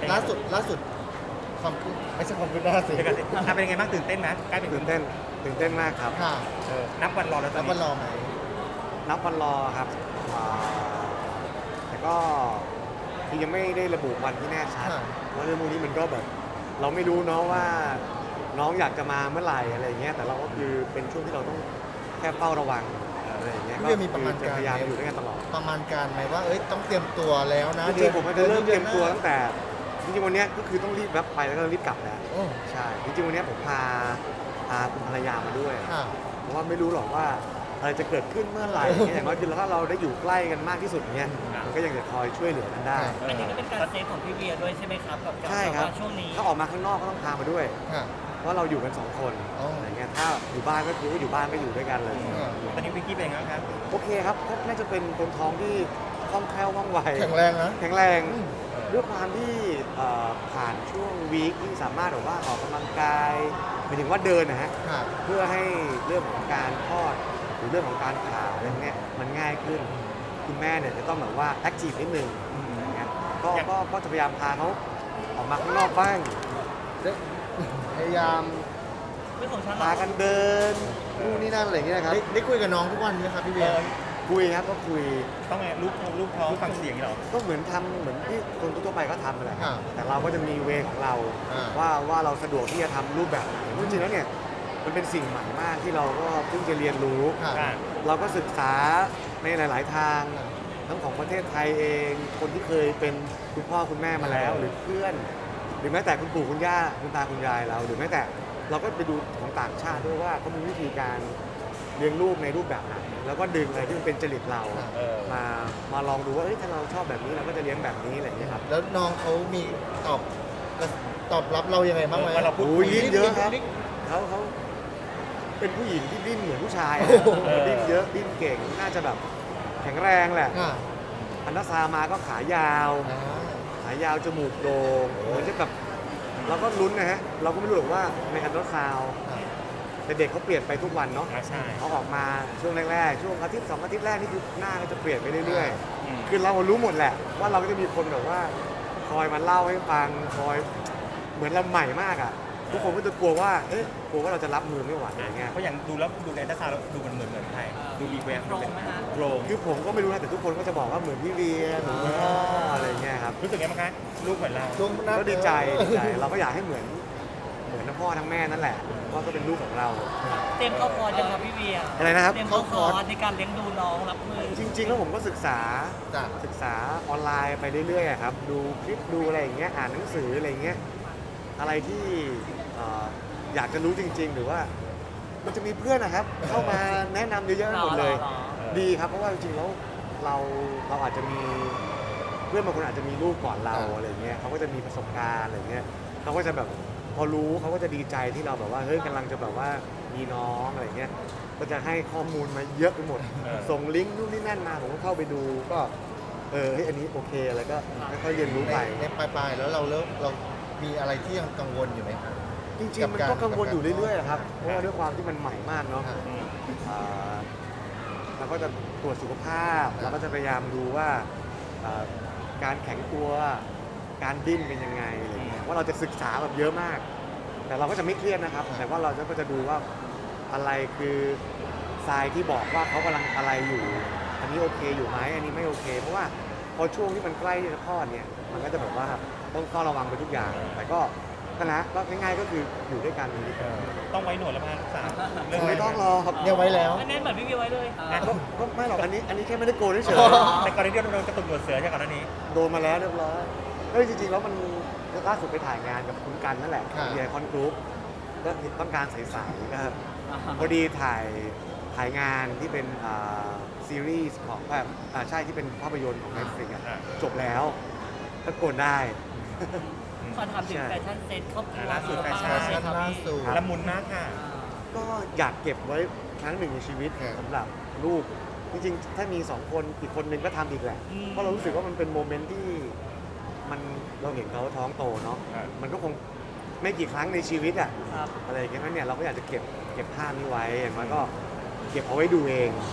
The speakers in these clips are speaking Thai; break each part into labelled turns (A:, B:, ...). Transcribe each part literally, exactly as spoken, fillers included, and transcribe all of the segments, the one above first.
A: ล่าสุดล่าสุดความคืบไม่ใช่ความคืบหน้าสิ
B: เดี๋ยวกันสิอ่ะเป็นยังไงบ้างตื่นเต้นไหมใกล้เป็น
C: ตื่นเต้นตื่นเต้นมากครับ
A: ค่ะ
C: เออ
B: นับวันรอแล้วตอ
A: แล้
B: น
A: ว
B: นี้
A: มันรอไหม
C: นับวันรอครับอ่าแต่ก็คือยังไม่ได้ระบุวันที่แน่ชัด
A: ค่ะ
C: เพราะเรื่องพวกนี้มันก็แบบ เราไม่รู้เนาะว่าน้องอยากจะมาเมื่อไหร่อะไรอย่างเงี้ยแต่เราก็คือเป็นช่วงที่เราต้องแค่เฝ้าระวังอะไรอย่างเงี้ย
A: พี่เวียมีประมาณ
C: ก็คือจะ
A: การ
C: พยายามอยู่ด้วยกันตลอด
A: ประมาณการไหมว่าเอ้ยต้องเตรียมตัวแล้วนะ
C: จริงๆผมก็จะเริ่มเตรียมตัว
A: ดือน
C: ตั้งแต่จริงๆวันเนี้ยก็คือต้องรีบแวบไปแล้วก็รีบกลับแล้ว
A: โอ้
C: ใช่จริงๆวันเนี้ยผมพาพาคุณภรรยามาด้วย
A: ค่ะ
C: เพราะว่าไม่รู้หรอกว่าอะไรจะเกิดขึ้นเมื่อไหร่เนี่ยอย่างน้อยคือถ้าเราได้อยู่ใกล้กันมากที่สุดเนี่ยมันก็ยังจะคอยช่วยเหลือกันได้
B: เอ
D: อัน
B: อ
D: นี้ก็เป็นการเซฟของพี่เวียด้วยใช่ไหมครับกับการ
C: ใช่ครับ
D: แว่าช่วงนี้
C: ถ้าออกมาข้างนอกก็ต้องพามาด้วย
A: ค่ะ
C: เพราะเราอยู่กันสองคน
A: อ๋ออ
C: อะไรเงี้ยถ้าอยู่บ้านก็คืออยู่บ้านก็อยู่ด้วยกันเลย
A: อืม
B: ตอนนี้วิกกี้เป็นยังไงบ้างครับ
C: โอเคครับก็น่าจะเป็นคนท้องที่คล่องแคล่วว่องไว
A: แข็งแรงนะ
C: แข็งแรง
A: อืม
C: ด้วยความที่เอ่อผ่านช่วงวีคที่สามารถแบบว่าออกกำลังกายหมายถึงว่าเดินนะฮะ
A: ค่ะ
C: เพื่อให้เรื่องของการคลอดหรือเรื่องของการผ่าอะไรพวกเนี้ยมันง่ายขึ้น คุณแม่เนี่ยจะต้องแบบว่าแอคทีฟนิดนึงอะไรเงี้ยก็
B: อย่าง
C: ก็ก็จะพยายามพาเขาออกมาข้างนอกบ้างพยายาม
D: เรื่องของฉัน
C: พากันเดินนู่นนี่นั่นอะไรเงี้ยครับ
A: ได้ได้คุยกับน้องทุกวันไหมครับพี่
B: เอ
A: เบีย
B: อ
A: ร์
C: คุยครับก็คุย
B: ต้องไงลูกลูกท้องฟังเสียงอย่างนี้เหรอ
C: ก็เหมือนทำเหมือนที่คนทั่วๆไปก็ทำนั่นแหละครับ
A: อ่า
C: แต่เราก็จะมีเวของเรา
A: อ่า
C: ว่าว่าเราสะดวกที่จะทำรูปแบบไหนจริงๆแล้วเนี่ยมันเป็นสิ่งใหม่มากที่เราก็เพิ่งจะเรียนรู้
A: ค่ะ
B: อ่า
C: เราก็ศึกษาในหลาย ๆ ทาง ทั้งของประเทศไทยเอง คนที่เคยเป็นคุณพ่อคุณแม่มาแล้ว หรือเพื่อน หรือแม้แต่คุณปู่คุณย่าคุณตาคุณยายเรา หรือแม้แต่เราก็ไปดูของต่างชาติด้วยว่าเขามีวิธีการเลี้ยงลูกในรูปแบบไหนแล้วก็ดึงอะไรที่มันเป็นจริตเรา
B: เออ
C: มามาลองดูว่าเอ้ยถ้าเราชอบแบบนี้เราก็จะเลี้ยงแบบนี้อะไรอย่างเงี้ยครับ
A: แล้วน้องเขามีตอบตอบรับเรายังไงบ้างไหม
B: เออเราพูด
C: โอ้ยดิ้นเยอะครับ
A: ดิ้น
C: เขาเขาเป็นผู้หญิงที่ดิ้นเหมือนผู้ชายอะ
A: โอ้โห
C: เออดิ้นเยอะดิ้นเก่งน่าจะแบบแข็งแรงแหละ
A: ค่ะ
C: อันนาซามาก็ขายาว
A: อ่า
C: ขายาวจมูกโด่งเหมือนจะแบบเราก็ลุ้นนะฮะ เราก็ไม่รู้หรอกว่าในอันตราซาวด์แต่เด็กเขาเปลี่ยนไปทุกวันเนาะ
B: อ่าใช่
C: เขาออกมาช่วงแรกๆ ช่วงอาทิตย์สองอาทิตย์แรกนี่คือหน้าก็จะเปลี่ยนไปเรื่อย
B: อืม
C: ๆ คือเรารู้หมดแหละ ว่าเราก็จะมีคนแบบว่าคอยมาเล่าให้ฟังคอยเหมือนเราใหม่มากอ่ะทุกคนก็จะกลัวว่าเอ๊ะกลัวว่าเราจะรับมือไม่ไหวอะไรเงี้ย
B: เพราะอย่างดูแล้วดูในทัศน์แล้วดูมันเหมือนเหมือนไทยดูมีแวว
D: ตรงไหมฮะ
B: โกรง
C: คือผมก็ไม่รู้นะแต่ทุกคนก็จะบอกว่าเหมือนพี่เวียเหมือนคุณพ่ออะไรเงี้ยครับ
B: รู้สึกไงบ้างคะลูกเหมือนเรา
A: ช่วงหน้า
C: ก็ดีใจดีใจเราก็อยากให้เหมือนเหมือนทั้งพ่อทั้งแม่นั่นแหละว่าก็เป็นลูกของเรา
D: เตรียมเข้าคอร์สยังครับพี่เวีย
C: อะไรนะครับ
D: เตรียมเข้าคอร์สในการเลี้ยงดูน้องรับมือ
C: จริง ๆ แล้วผมก็ศึกษา
A: จ้ะ
C: ศึกษาออนไลน์ไปเรื่อยๆอะครับดูคลิปดูอะไรอย่างเงี้ยอ่านหนังสืออะไรอย่างเงี้ยอะไรที่เอ่ออยากจะรู้จริง ๆ หรือว่ามันจะมีเพื่อนนะครับ เข้ามาแนะนำเยอะๆไปหมดเลย
D: หรอ
C: ดีครับเพราะว่าจริงๆแล้วเราเราอาจจะมีเพื่อนบางคนอาจจะมีลูกก่อนเรา
A: อ่า
C: อะไรเงี้ยเขาก็จะมีประสบการณ์อะไรเงี้ยเขาก็จะแบบพอรู้เขาก็จะดีใจที่เราแบบว่าเฮ้ยกำลังจะแบบว่ามีน้องอะไรเงี้ยก็จะให้ข้อมูลมาเยอะไปหมด
B: เออ
C: ส่งลิงก์นู่นนี่นั่นมาผมก็เข้าไปดูก็เออเฮ้ยอันนี้โอเคอะไรก็ค่อยๆเรียนรู้
A: ใน
C: ไป
A: ในปลายๆแล้วเราเริ่มเรามีอะไรที่ยังกังวลอยู่ไหมครับ
C: จริงๆมันก็กังวลอยู่เรื่อยๆอะครับเพราะว่าด้วยความที่มันใหม่มากเนาะ
A: อ่า
B: อืม
C: อ่าเราก็จะตรวจสุขภาพ
A: ครับ
C: เราก็จะพยายามดูว่าอ่าการแข็งตัว การดิ้นเป็นยังไงอะไรเงี้ยว่าเราจะศึกษาแบบเยอะมาก แต่เราก็จะไม่เครียดนะครับ แต่ว่าเราก็จะดูว่าอะไรคือทรายที่บอกว่าเขากำลังอะไรอยู่ อันนี้โอเคอยู่ไหมอันนี้ไม่โอเค เพราะว่าพอช่วงที่มันใกล้ที่จะคลอดเนี่ย มันก็จะแบบว่าต้องเฝ้าระวังไปทุกอย่าง แต่ก็นั่นแหละก็ง่ายๆก็คืออยู่ด้วยกัน
B: เออต้องไว้หนวดแล้วพาลูกสาวเรื่อง
C: ไม่ต้องรอครับ
A: เนี่ยไว้แล้ว
D: อันนี้เหมือนพี่เวียไว้เลย
C: ก็ก็ไม่หรอกอันนี้อันนี้แค่ไม่ได้โกนเฉย
B: แต่ก่อนหน้านี้เราโดนกระตุกหนวดเสือใช่ก่อนหน้านี้
C: ๆโดนมาแล้วเรียบร้อยเอ้ยจริงๆแล้วมันล่าสุดไปถ่ายงานกับคุณกันนั่นแหละ
A: ค่ะ
C: เดียคอนกรุ๊ปก็ต้องการใสๆก็พอดีถ่ายถ่ายงานที่เป็นอ่าซีรีส์ของแบบอ่าใช่ที่เป็นภาพยนตร์ของ Netflix อะ
B: อ่า
C: จบแล้วก็โกนได้
D: ขอถามถึง
C: ใช่
D: แฟชั่นเซ็ตครอบครัว
B: ล่าสุดแฟชั่น
D: ใครับ
A: ล่า
D: พี่
A: สุด
B: ละมุนมากค่ะ
C: ก็อยากเก็บไว้ครั้งหนึ่งในชีวิต
A: ครับ
C: สำหรับลูกจริงๆ ถ้ามีสองคนอีกคนนึงก็ทำอีกแหละ
D: อืม
C: เพราะเรารู้สึกว่ามันเป็นโมเมนต์ที่มันเราเห็นเขาท้องโตเนาะ
B: ครับ
C: มันก็คงไม่กี่ครั้งในชีวิตอะ
D: ครับ
C: อะไรอย่างเงี้ยเพราะเนี่ยเราก็อยากจะเก็บเก็บภาพนี้ไว้อย่างน้อยก็เก็บเอาไว้ดูเอง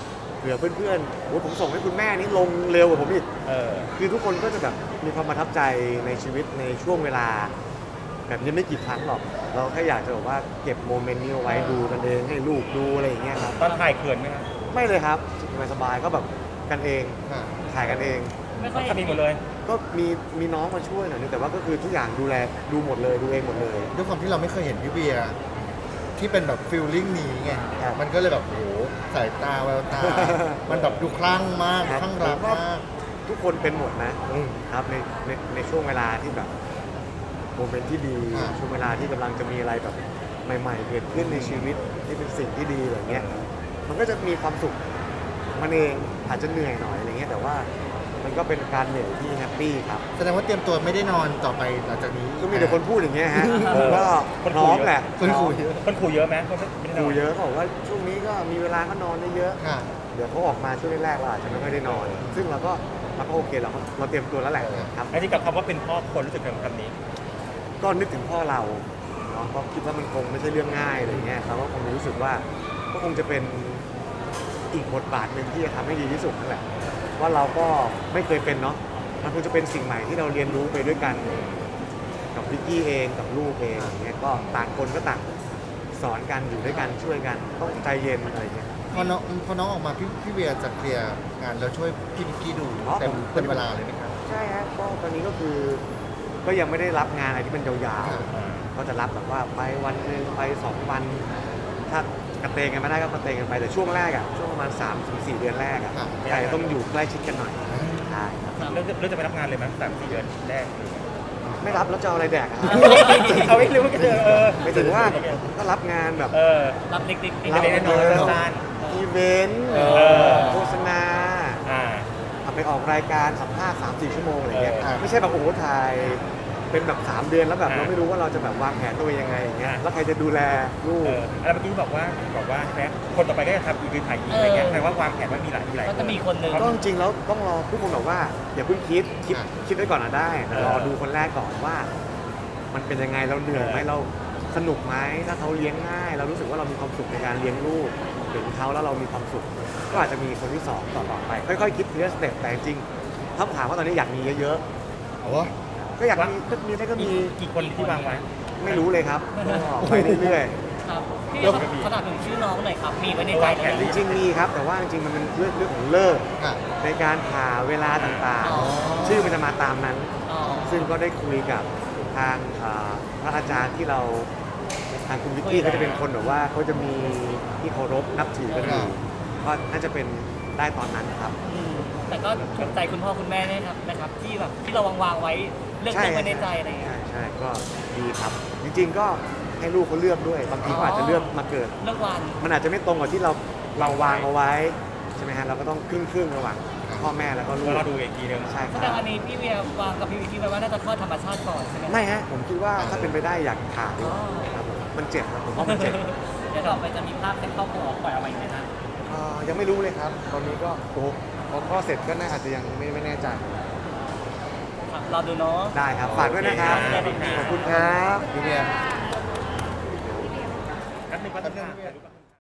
C: ผื่อเพื่อนๆโอ้ผมส่งให้คุณแม่นี่ลงเร็วกว่าผมอีก
B: เออ
C: คือทุกคนก็จะแบบมีความประทับใจในชีวิตในช่วงเวลา แบบนี้ไม่กี่ครั้งหรอก เราแค่อยากจะบอกว่าเก็บโมเมนต์นี้เอาไว้ดูกันเองให้ลูกดูอะไรอย่างเงี้ยครับ
B: ตอนถ่ายเขินไหมครับ
C: ไม่เลยครับสบายๆก็แบบกันเอง
A: ค่ะ
C: ถ่ายกันเอง
D: ไม่ค่อย
B: ทำเองหมดเลย
C: ก็มีมีน้องมาช่วยหน่อยนึงแต่ว่าก็คือทุกอย่างดูแลดูหมดเลยดูเองหมดเลย
A: ด้วยความที่เราไม่เคยเห็นพี่เวียที่เป็นแบบฟิลลิ่งนี้ไง
C: ครับ
A: มันก็เลยแบบโอ้โหสายตาแวว ตา มันแบบดูคลั่งมาก
C: ครับ
A: คลั่งรัก
C: ผมว่าม
A: าก
C: ทุกคนเป็นหมดนะ
A: อืม
C: ครับในในในช่วงเวลาที่แบบโมเมนต์ที่ดี
A: อ่า
C: ช่วงเวลาที่กำลังจะมีอะไรแบบใหม่ๆเกิดขึ้นในชีวิตที่เป็นสิ่งที่ดีอะไรเงี้ยมันก็จะมีความสุขมันเองอาจจะเหนื่อยหน่อยอะไรเงี้ยแต่ว่ามันก็เป็นการเหนื่อยที่แฮปปี้ครับ
A: แสดงว่าเตรียมตัวไม่ได้นอนต่อไปหลังจากนี้
C: ก็มีแต่คนพูดอย่างเงี้ยฮะ
B: เออ
C: ก็
B: คน
C: พ
B: คุ
C: ร้
B: ย
C: อม
B: เยอะ
C: แหละ
A: คนคุยเยอะ
B: คนขู่เยอะไหมคนไม่ได้น
C: ดู
B: อน
C: เยอะเขาบอกว่าช่วงนี้ก็มีเวลาก็นอนได้เยอะ
A: ค่ะ
C: เดี๋ยวเขาออกมาช่วงแรกๆเราอาจจะไม่ค่อยได้นอน ซึ่งเราก็เราก็โอเคเราก็เราเตรียมตัวแล้วแหละครับ
B: ไอ้ที่กับคำว่าเป็นพ่อคนรู้สึกถึงคำนี้
C: ก็นึกถึงพ่อเราเนาะก็คิดว่ามันคงไม่ใช่เรื่องง่ายอะไรเงี้ยเราก็คงรู้สึกว่าก็คงจะเป็นอีกบทบาทหนึ่งที่จะทำให้ดีที่สุดนั่นแหละว่าเราก็ไม่เคยเป็นเนาะมันคงจะเป็นสิ่งใหม่ที่เราเรียนรู้ไปด้วยกันกับวิกกี้เองกับลูกเองอย่างเงี้ยก็ต่างคนก็ต่างสอนกันอยู่ด้วยกันช่วยกันต้องใจเย็นอะไรเงี้ย
A: พอน้องพอน้องออกมาพี่พี่เวียจะเคลียร์งานแล้วช่วยพี่นิกกี้ดู
C: อ๋อ
A: เต็ม
C: ผม
A: เต็มเวลาเลยไหมครับ
C: ใช่ฮะก็ตอนนี้ก็คือก็ยังไม่ได้รับงานอะไรที่มันยาว
A: ครับ
C: ๆก็จะรับแบบว่าไปวันหนึ่งไปสองวัน ถ้ากระเตงกันไม่ได้ก็กระเตงกันไปแต่ช่วงแรกอ่ะช่วงประมาณสามถึงสี่เดือนแรกอ่ะ
A: ครับ
C: ใช่ต้องอยู่ใกล้ชิดกันหน่อยใช่ครับ
D: ครับ
B: เรื่องเรื่องจะไปรับงานเลยไหมสามสี่เดือนแรก
C: ไม่รับแล้วจะเอาอะไรแดกอะ
B: เอาไม่รู้ก็เจอเออ
C: ไม่ถึงว่าก็รับงานแบบ
B: เออ
D: รับเด็กๆ
B: รับเด็กๆน้อยๆสั้น
C: อีเวนต์
B: เออ
C: โฆษณา
B: อ่า
C: เอาไปออกรายการสัมภาษณ์สามสี่ชั่วโมงอะไรเงี้ย
B: เออ
C: ไม่ใช่แบบโอ้โหถ่ายเป็นแบบสามเดือนแล้วแบบ
B: อ่า
C: เราไม่รู้ว่าเราจะแบบวางแผนตัวเองยังไงอย่างเงี้ย
B: อ่า
C: แล้วใครจะดูแลลูก
B: เออแล้วเมื่อกี้บอกว่าบอกว่าใช่ไหมคนต่อไปก็จะทำอีกคือถ่ายอีกอะไรเงี้ยแปลว่าวางแผนว่ามีหลายมีหลาย
D: ก็จะมีคนหนึ่ง
C: ก็จริงๆแล้วต้องรอทุกคนบอกว่าอย่าเพิ่งคิดคิด
A: อ่ะ
C: คิดไว้ก่อนนะได้แต่
B: เออ
C: รอดูคนแรกก่อนว่า มันเป็นยังไงเราเหนื่อยไหม
B: เออ
C: เราสนุกไหมถ้าเขาเลี้ยงง่าย เรารู้สึกว่าเรามีความสุขในการเลี้ยงลูกเห็นเขาแล้วเรามีความสุข ก็อาจจะมีคนที่สองต่อๆไป ค่อยๆคิดทีละสเต็ปแต่จริงๆถ้าถามว่าตอนนี้อยากมีเยอะ
A: อ๋อ
C: ๆก็อยากมีก็มีได้ก็มี
B: กี่คนที่วางไว้
C: ไม่รู้เลยครับก็ไปเรื่อย
D: ครับพี่
B: เริ่ม
D: ครับ
B: มี
D: ขนาดถึงชื่อน้องหน่อยครับ มีไว้ในใจ
B: วางแผน
D: ไหม
C: ๆจริงๆมีครับ แต่ว่าจริงๆมันเป็นเรื่องเรื่องของเลิก
A: ค่ะ
C: ในการผ่าเวลาต่าง
D: อ๋อ
C: ๆ ชื่อมันจะมาตามนั้น
D: อ๋อ
C: ซึ่งก็ได้คุยกับทางอ่าพระอาจารย์ที่เราทางคุณวิกกี้เขาจะเป็นคนแบบว่าเขาจะมีที่เคารพนับถือกันอยู่ก็น่าจะเป็นได้ตอนนั้นครับ
D: อืมแต่ก็ถูกใจคุณพ่อคุณแม่นะครับนะครับ ที่แบบที่เราวางวางๆไว้เลือก
C: ใช่
D: เลือกไว้ในใจอะไรอย่างเงี้
C: ใช่
D: ย
C: ใช่ก็ดีครับ จริงๆก็ให้ลูกเขาเลือกด้วย บางทีเขาอาจจะเลือกมาเกิด
D: เลือกวัน
C: มันอาจจะไม่ตรงกับที่เราเราวางเอาไว้ใช่ไหมฮะเราก็ต้องครึ่งครึ่งๆระหว่างพ่อแม่แล้วก็ลู
B: ก็
C: ก
B: เราดูอีกทีหนึง
C: ใช่ค
D: แส
C: รับ
D: ดงอันนี้พี่เวียวางกับพี่วิกกี้ไว้ว่าน่าจะคลอดธรรมชาติก่อนใช่ไหม
C: ไม่ฮะผมคิดว่าถ้าเป็นไปได้อยากผ่าดีกว่าครับผมมันเจ็บนะผมว่ามันเจ็บ
D: เดี๋ยวต่อไปจะมีภาพเซ็ตครอบครัวปล่อยออกมาอีกไหมนะ
C: เอ่อยังไม่รู้เลยครับ ตอนนี้ก็โอ้โหพอข้อดเสร็จก็น่าอาจจะยังไม่ไม่แน่ใจ
D: ครับรอดูเนาะ
C: ได้ครับ ฝากด้วยนะครับ
B: โอเคครับ
C: ขอบคุณครับ
A: พี่เวีย
B: แป๊บนึงแป๊บนึงค่ะ